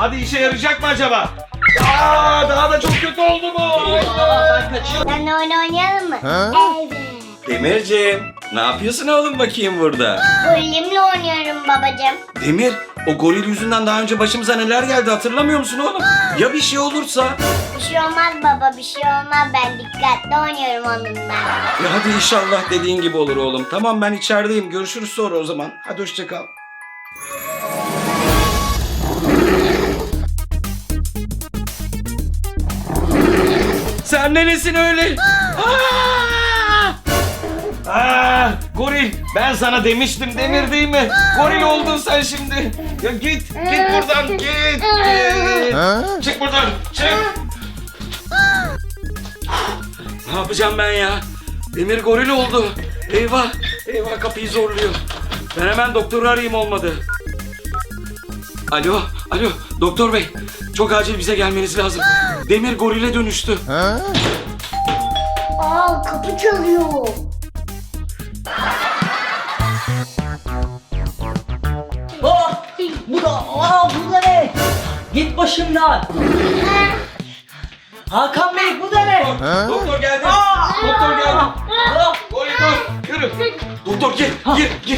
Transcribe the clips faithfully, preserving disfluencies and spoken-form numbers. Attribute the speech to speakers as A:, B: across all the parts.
A: Hadi işe yarayacak mı acaba? Aa, daha da çok kötü oldu bu.
B: Ben kaçıyorum.
C: Seninle oyun oynayalım mı?
D: Ha?
C: Evet.
A: Demirciğim, ne yapıyorsun oğlum bakayım burada?
C: Golemle oynuyorum babacığım.
A: Demir, o goril yüzünden daha önce başımıza neler geldi hatırlamıyor musun oğlum? Ya bir şey olursa?
C: Bir şey olmaz baba, bir şey olmaz. Ben dikkatli oynuyorum onunla.
A: Ya hadi inşallah dediğin gibi olur oğlum. Tamam, ben içerideyim. Görüşürüz sonra o zaman. Hadi hoşça kal. Sen neresin öyle? Aa! Aa, goril, ben sana demiştim Demir değil mi? Goril oldun sen şimdi. Ya git, git buradan, git. git.
D: Ha?
A: Çık buradan, çık. Ne yapacağım ben ya? Demir goril oldu. Eyvah, eyvah kapıyı zorluyor. Ben hemen doktoru arayayım olmadı. Alo, alo doktor bey. Çok acil bize gelmeniz lazım. Demir gorile dönüştü.
D: Ha?
C: Aa, kapı çalıyor.
B: Aa, bu da, aa, bu da ne? Git başımdan. Hakan Bey, bu da ne?
D: Ha?
A: Doktor geldi.
B: Aa!
A: Doktor geldi.
B: Aa!
A: Goril dur, yürü. Doktor gir, gir, gir.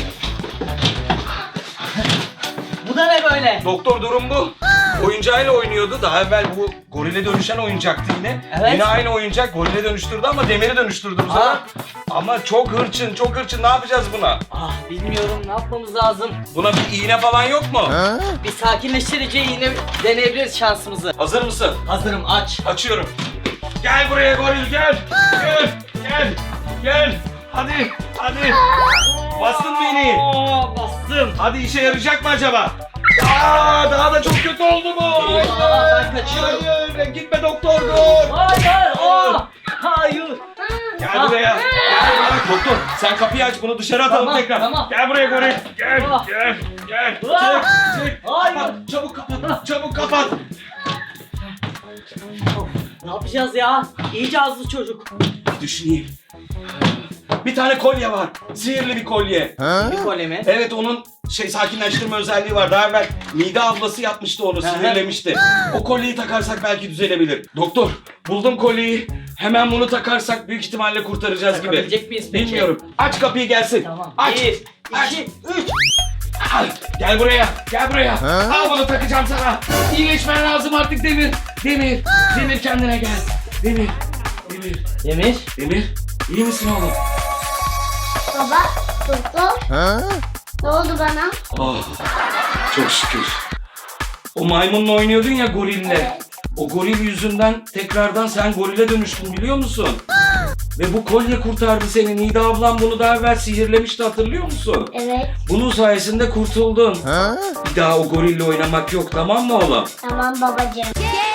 B: Bu da ne böyle?
A: Doktor durum bu. Oyuncağıyla oynuyordu. Daha evvel bu gorile dönüşen oyuncaktı yine.
B: Evet.
A: Yine aynı oyuncak gorile dönüştürdü ama demiri dönüştürdü bu sefer.
B: Aa.
A: Ama çok hırçın, çok hırçın. Ne yapacağız buna?
B: Ah, bilmiyorum, ne yapmamız lazım?
A: Buna bir iğne falan yok mu?
D: Ha?
B: Bir sakinleştirici yine deneyebiliriz şansımızı.
A: Hazır mısın?
B: Hazırım, aç.
A: Açıyorum. Gel buraya goril gel. Gel, gel, gel. Hadi, hadi. Bastın mı iğneyi?
B: Aa, bastım.
A: Hadi işe yarayacak mı acaba? Aa, daha da çok kötü oldu bu.
B: Aa, ben kaçıyorum.
A: Hayır, gitme doktor dur.
B: Hayır, aa, hayır.
A: Gel buraya. Gel buraya. Doktor sen kapıyı aç bunu dışarı atalım
B: Tamam,
A: tekrar.
B: tamam.
A: Gel buraya goril. Gel,
B: Ah.
A: gel, gel.
B: Ah.
A: Çık, çık.
B: Hayır.
A: Kapat, çabuk kapat, çabuk kapat.
B: Of, ne yapacağız ya? İyice azlı çocuk.
A: Düşüneyim. Bir tane kolye var. Sihirli bir kolye.
D: Ha?
B: Bir kolye mi?
A: Evet onun şey sakinleştirme özelliği var. Daha evvel Mide ablası yapmıştı onu,
B: Hı hı.
A: sinirlemişti. O kolyeyi takarsak belki düzelebilir. Doktor buldum kolyeyi. Hemen bunu takarsak büyük ihtimalle kurtaracağız gibi.
B: Takabilecek miyiz peki?
A: Bilmiyorum. Aç kapıyı gelsin.
B: Tamam.
A: Aç.
B: Bir,
A: Aç.
B: iki, üç.
A: Al. Gel buraya. Gel buraya.
D: Ha?
A: Al bunu takacağım sana. İyileşmen lazım artık Demir. Demir. Demir kendine gel. Demir. Demir.
B: Demir.
A: Demir. İyi misin oğlum?
C: Baba, doktor,
D: Ha?
C: ne oldu bana?
A: Oh, çok şükür. O maymunla oynuyordun ya gorille.
C: Evet.
A: O goril yüzünden tekrardan sen gorile dönüştün biliyor musun? Ve bu kolye kurtardı seni. Nida ablam bunu daha evvel sihirlemişti hatırlıyor musun?
C: Evet,
A: Bunun sayesinde kurtuldun.
D: Ha?
A: Bir daha o gorille oynamak yok tamam mı oğlum?
C: tamam babacığım.